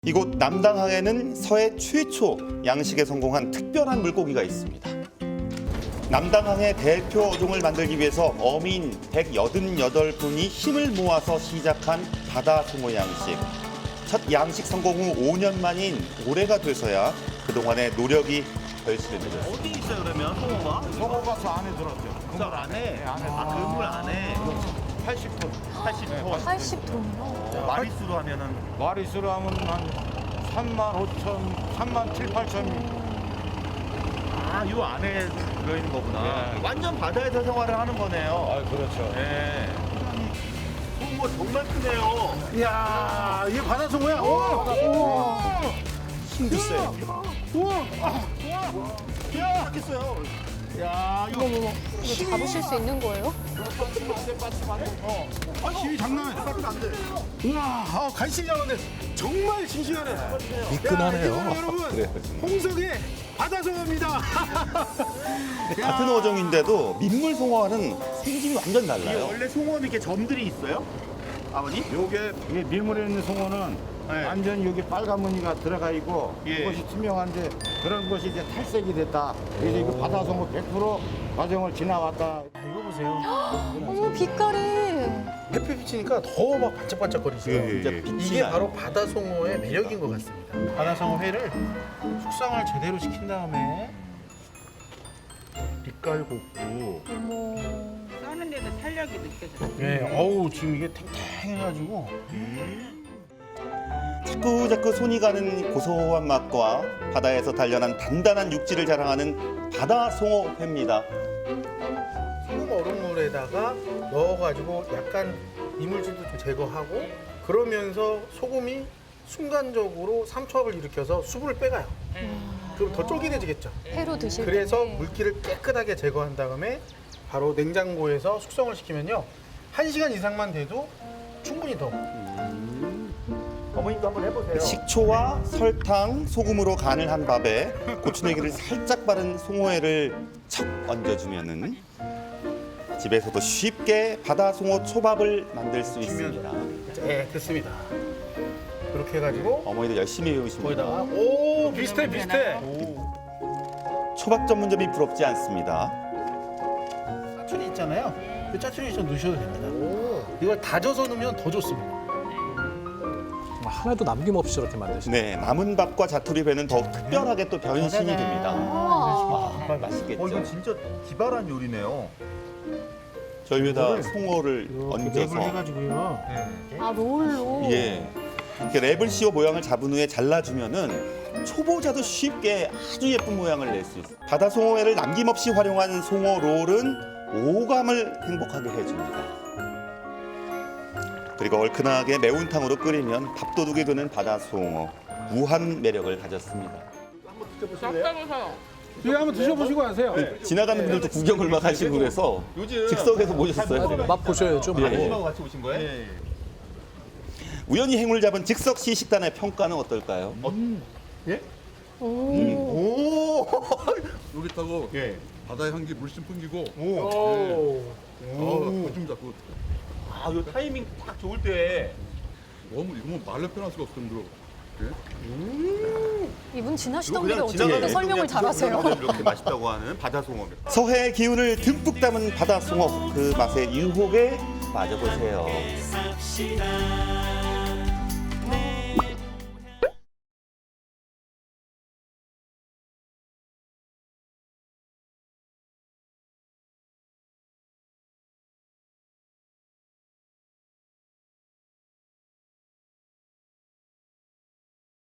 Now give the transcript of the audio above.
이곳 남당항에는 서해 최초 양식에 성공한 특별한 물고기가 있습니다. 남당항의 대표 어종을 만들기 위해서 어민 188분이 힘을 모아서 시작한 바다송어 양식. 첫 양식 성공 후 5년 만인 올해가 돼서야 그동안의 노력이 결실을 맺었습니다. 어디 있어요 그러면 송어가? 송어가 저 안에 들었죠. 저 안에? 네, 안에 그물 안에 80톤. 80톤. 80톤이요? 마리수로 하면은 마리수로 하면 한 3만 5천, 3만 7, 8천. 요 안에 들어있는 거구나. 네. 완전 바다에서 생활을 하는 거네요. 그렇죠. 네. 송어 정말 크네요. 이야, 이게 바다송어야. 우와. 힘드세요. 야, 하겠어요. 야, 이거 이거 잡으실 수 있는 거예요? 힘이 장난 아니야. 안 돼. 우와, 간신히 잡았네. 정말 싱싱하네. 미끈하네요. 야, 여러분, 그래요, 정말. 홍석의 바다송어입니다. 같은 어종인데도 민물 송어와는 생김이 완전 이게 달라요. 원래 송어는 이렇게 점들이 있어요? 아버님? 이게 밀물에 있는 송어는 네. 완전 여기 빨간 무늬가 들어가 있고 예. 그것이 투명한데 그런 것이 이제 탈색이 됐다. 그래서 이거 바다송어 100% 과정을 지나왔다. 이거 보세요. 어머, 빛깔이. 햇빛 비치니까 더 막 반짝반짝거리죠. 진짜 빛이 이게 나요. 바로 바다송어의 매력인 것 같습니다. 바다송어 회를 숙성을 제대로 시킨 다음에 빛깔 곱고, 어머. 써는데도 탄력이 느껴져요. 예, 어우 지금 이게 탱탱해가지고 자꾸자꾸 손이 가는 고소한 맛과 바다에서 단련한 단단한 육질을 자랑하는 바다송어 회입니다. 소금 얼음물에다가 넣어가지고 약간 이물질도 좀 제거하고 그러면서 소금이 순간적으로 삼투압을 일으켜서 수분을 빼가요. 그럼 더 쫄깃해지겠죠. 회로 드실 때. 그래서 물기를 깨끗하게 제거한 다음에 바로 냉장고에서 숙성을 시키면요 1시간 이상만 돼도 충분히 더 어머님도 한번 해보세요. 식초와 설탕, 소금으로 간을 한 밥에 고추냉이를 살짝 바른 송어회를 척 얹어주면은 집에서도 쉽게 바다송어 초밥을 만들 수 있습니다. 네, 됐습니다. 이렇게 해가지고 어머니도 열심히 배우십니다. 거기다가 오 비슷해 비슷해 초밥 전문점이 부럽지 않습니다. 짜투리 있잖아요 그 짜투리 좀 넣으셔도 됩니다 이걸 다져서 넣으면 더 좋습니다 하나도 남김없이 저렇게 만드시네요. 네, 남은 밥과 자투리회는 더욱 특별하게 또 변신이 됩니다. 우와. 정말 맛있겠죠. 이건 진짜 기발한 요리네요. 저희 위에다 송어를 랩을 얹어서 해가지고요 아, 롤로. 예, 이렇게 랩을 씌워 모양을 잡은 후에 잘라주면은 초보자도 쉽게 아주 예쁜 모양을 낼 수 있어요. 바다송어회를 남김없이 활용한 송어 롤은 오감을 행복하게 해줍니다. 그리고 얼큰하게 매운탕으로 끓이면 밥도둑이 되는 바다송어 무한 매력을 가졌습니다. 짭짤해서요. 이거 한번 드셔보시고 하세요. 지나가는 분들도 구경을 막 하시고 그래서 즉석에서 모셨어요. 맛 보셔야죠. 예. 어머님하고 같이 오신 거예요? 우연히 행운을 잡은 즉석 시식단의 평가는 어떨까요? 오. 오. 여기 있다고 예. 바다의 향기 물씬 풍기고 오. 요즘 자꾸 요 타이밍 딱 좋을 때. 너무 이거 말로 표현할 수가 없을 정도로 이분 지나시던 그냥 길에 어떻게 설명을 잘하세요? 이렇게 맛있다고 하는 바다송어. 서해의 기운을 듬뿍 담은 바다송어 그 맛에 유혹에 빠져보세요.